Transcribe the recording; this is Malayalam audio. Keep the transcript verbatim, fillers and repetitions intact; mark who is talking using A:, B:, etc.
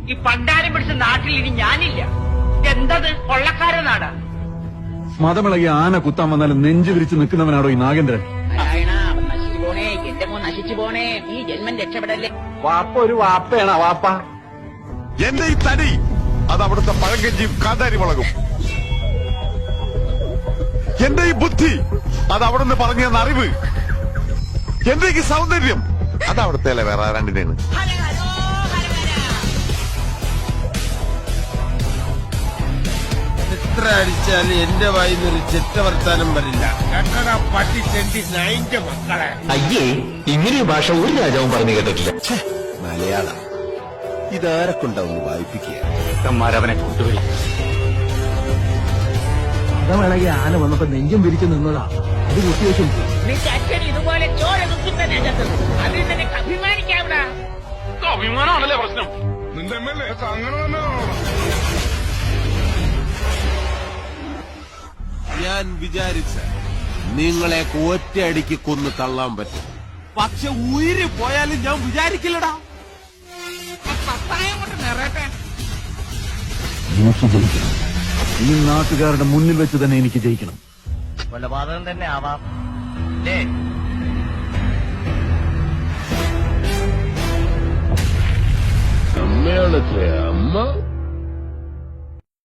A: ഈ പണ്ടാരം പിടിച്ച നാട്ടിൽ ഇനി ഞാനില്ല. എന്തത് കൊള്ളക്കാര നാടാ.
B: മതമിളകി ആന കുത്താൻ വന്നാലും നെഞ്ചു വിരിച്ച് നിൽക്കുന്നവനാണോ ഈ നാഗേന്ദ്രൻ?
A: നശിച്ചു പോണേ, എന്റെ മോൻ നശിച്ചു പോണേ, ഈ ജന്മം രക്ഷപ്പെടല്ലേ.
B: വാപ്പ ഒരു വാപ്പയാണ് വാപ്പ.
C: എന്റെ ഈ തടി അത് അവിടുത്തെ പഴങ്കഞ്ചിയും കാന്താരി മുളകും. എന്റെ ഈ ബുദ്ധി അത് അവിടുന്ന് പറഞ്ഞു തന്ന അറിവ്. എന്റെ ഈ സൗന്ദര്യം അത് അവിടുത്തെ വേറെ രണ്ടിനാണ്.
D: എത്ര അടിച്ചാലും എന്റെ വായിന്നൊരു ചെറ്റ വർത്താനം വരില്ല. കട്ടട പട്ടി ചെണ്ടി നയിന്റെ മക്കളെ.
E: അയ്യേ, ഇങ്ങനെ ഭാഷ ഒരു രാജാവും പറഞ്ഞു കേട്ടിട്ടില്ല.
D: മലയാളം ഇതാരക്കൊണ്ടാവുന്നു വായിപ്പിക്കുക.
E: അവനെ കൊണ്ടുവരും.
B: മതമിളകി ആന വന്നപ്പോ നെഞ്ചും വിരിച്ച് നിന്നതാ. ഇത് കുത്തിവെച്ചും
A: നിന്റെ അച്ഛൻ ഇതുപോലെ ചോര കുത്തുന്ന രംഗത്ത് അതിൽ നിനക്ക് അഭിമാനിക്കാവിടാ.
C: അഭിമാനമാണല്ലേ പ്രശ്നം. നിന്റെ എം എൽ എ അങ്ങനെ തന്നെ.
D: ഞാൻ വിചാരിച്ച നിങ്ങളെ ഒറ്റയടിക്ക് കൊന്നു തള്ളാൻ പറ്റും. പക്ഷെ ഉയിര് പോയാലും ഞാൻ വിചാരിക്കില്ലടാ.
A: പത്തായം കൊണ്ട് നിറയട്ടെ.
B: എനിക്ക് ജയിക്കണം. ഈ നാട്ടുകാരുടെ മുന്നിൽ വെച്ച് തന്നെ എനിക്ക് ജയിക്കണം.
A: കൊലപാതകം തന്നെ ആവാം അല്ലേ?
D: അമ്മയാണത്രേ അമ്മ.